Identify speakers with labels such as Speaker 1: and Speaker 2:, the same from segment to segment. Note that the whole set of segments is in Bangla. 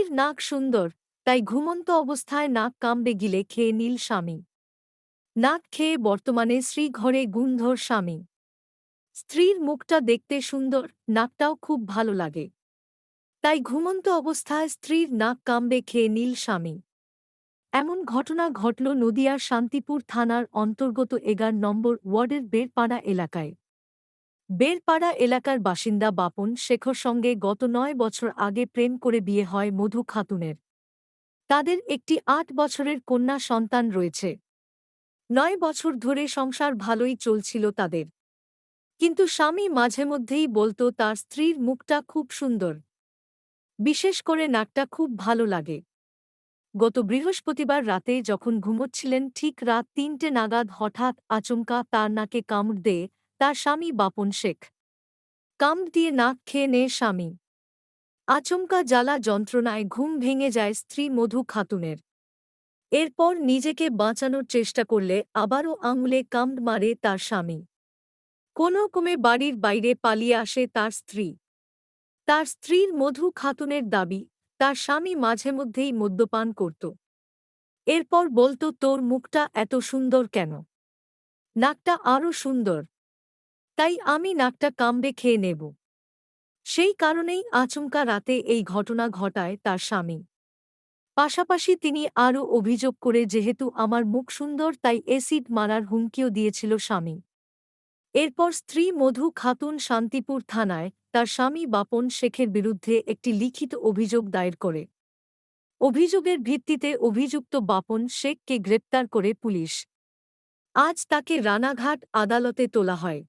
Speaker 1: স্ত্রীর নাক সুন্দর, তাই ঘুমন্ত অবস্থায় নাক কামড়ে গিলে খেয়ে নিল স্বামী। নাক খেয়ে বর্তমানে শ্রীঘরে গুণধর স্বামী। স্ত্রীর মুখটা দেখতে সুন্দর, নাকটাও খুব ভালো লাগে, তাই ঘুমন্ত অবস্থায় স্ত্রীর নাক কামড়ে খেয়ে নিল স্বামী। এমন ঘটনা ঘটল নদিয়ার শান্তিপুর থানার অন্তর্গত 11 নম্বর ওয়ার্ডের বেরপাড়া এলাকায়। বেরপাড়া এলাকার বাসিন্দা বাপন শেখর সঙ্গে গত 9 বছর আগে প্রেম করে বিয়ে হয় মধু খাতুনের। তাদের একটি 8 বছরের কন্যা সন্তান রয়েছে। 9 বছর ধরে সংসার ভালোই চলছিল তাদের, কিন্তু স্বামী মাঝেমধ্যেই বলতো তার স্ত্রীর মুখটা খুব সুন্দর, বিশেষ করে নাকটা খুব ভালো লাগে। গত বৃহস্পতিবার রাতে যখন ঘুমোচ্ছিলেন ঠিক রাত 3টে নাগাদ হঠাৎ আচমকা তার নাকে কামড় দেয় তার স্বামী বাপন শেখ। কামড় দিয়ে নাক খেয়ে নেয় স্বামী। আচমকা জ্বালা যন্ত্রণায় ঘুম ভেঙে যায় স্ত্রী মধু খাতুনের। এরপর নিজেকে বাঁচানোর চেষ্টা করলে আবারও আঙুলে কামড় মারে তার স্বামী। কোনোক্রমে বাড়ির বাইরে পালিয়ে আসে তার স্ত্রী। তার স্ত্রীর মধু খাতুনের দাবি, তার স্বামী মাঝেমধ্যেই মদ্যপান করত। এরপর বলতো তোর মুখটা এত সুন্দর কেন? নাকটা আরও সুন্দর, তাই আমি নাকটা কামড়ে খেয়ে নেব। সেই কারণেই আচমকা রাতে এই ঘটনা ঘটায় তার স্বামী। পাশাপাশি তিনি আরও অভিযোগ করে যেহেতু আমার মুখ সুন্দর তাই অ্যাসিড মারার হুমকিও দিয়েছিল স্বামী। এরপর স্ত্রী মধু খাতুন শান্তিপুর থানায় তার স্বামী বাপন শেখের বিরুদ্ধে একটি লিখিত অভিযোগ দায়ের করে। অভিযোগের ভিত্তিতে অভিযুক্ত বাপন শেখকে গ্রেপ্তার করে পুলিশ। আজ তাকে রানাঘাট আদালতে তোলা হয়।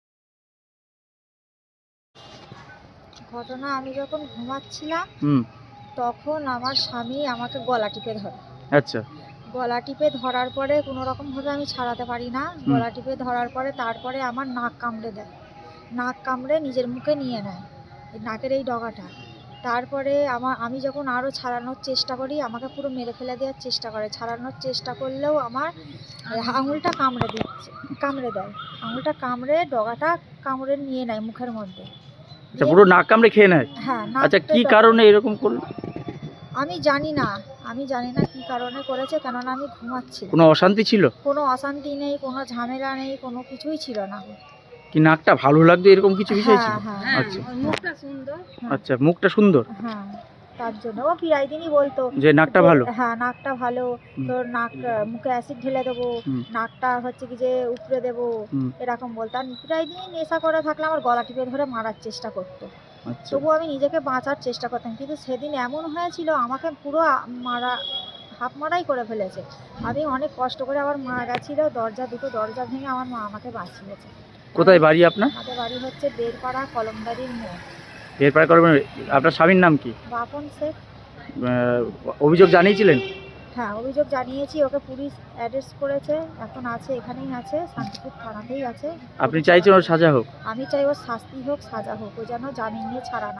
Speaker 2: ঘটনা, আমি যখন ঘুমাচ্ছিলাম তখন আমার স্বামী আমাকে গলা টিপে ধরে।
Speaker 3: আচ্ছা।
Speaker 2: গলা টিপে ধরার পরে কোনো রকমভাবে আমি ছাড়াতে পারি না। গলা টিপে ধরার পরে তারপরে আমার নাক কামড়ে দেয়। নাক কামড়ে নিজের মুখে নিয়ে নেয়, এই নাকের এই ডগাটা। তারপরে আমি যখন আরও ছাড়ানোর চেষ্টা করি আমাকে পুরো মেরে ফেলে দেওয়ার চেষ্টা করে। ছাড়ানোর চেষ্টা করলেও আমার আঙুলটা কামড়ে দেয়। আঙুলটা কামড়ে ডগাটা কামড়ে নিয়ে নেয় মুখের মধ্যে।
Speaker 3: আচ্ছা, পুরো নাক কামড়ে খেয়ে নেয়?
Speaker 2: হ্যাঁ।
Speaker 3: আচ্ছা, কি কারণে এরকম করলো?
Speaker 2: আমি জানি না কি কারণে করেছে, কেননা আমি ঘুমাচ্ছি।
Speaker 3: কোনো অশান্তি ছিল?
Speaker 2: কোনো অশান্তি নেই, কোনো ঝামেলা নেই, কোনো কিছুই ছিল না।
Speaker 3: কি নাকটা ভালো লাগতো এরকম কিছু বিষয় ছিল? আচ্ছা,
Speaker 2: মুখটা সুন্দর।
Speaker 3: আচ্ছা, মুখটা সুন্দর।
Speaker 2: হ্যাঁ, তার জন্য ও প্রায় দিনই বলতো
Speaker 3: যে নাকটা ভালো।
Speaker 2: হ্যাঁ, নাকটা ভালো, তোর নাক মুখে অ্যাসিড ঢেলে দেবো, নাকটা হচ্ছে কি যে উপড়ে দেবো, এরকম বলতো। আর প্রায় দিনই নেশা করে থাকলে আমার গলা টিপে ধরে মারার চেষ্টা করতো। তবুও আমি নিজেকে বাঁচার চেষ্টা করতাম, কিন্তু সেদিন এমন হয়েছিল আমাকে পুরো হাফ মারাই করে ফেলেছে। আমি অনেক কষ্ট করে আবার মা গেছিলো, দুটো দরজা ভেঙে আমার মা আমাকে বাঁচিয়েছে।
Speaker 3: কোথায় বাড়ি আপনার?
Speaker 2: আমাদের বাড়ি হচ্ছে বেরপাড়া কলমদারির মোড়।
Speaker 3: বেরপাড়া করবেন। আপনার স্বামীর নাম কি?
Speaker 2: বাপন শেখ।
Speaker 3: অভিযোগ জানিয়েছিলেন?
Speaker 2: হ্যাঁ, অভিযোগ জানিয়েছি, ওকে পুলিশ অ্যারেস্ট করেছে, এখন আছে, এখানেই আছে, শান্তিপুর থানাতেই আছে।
Speaker 3: আপনি চাইছেন ওর সাজা হোক?
Speaker 2: আমি চাই ওর শাস্তি হোক, সাজা হোক, ও যেন জামিন নিয়ে ছাড়া না।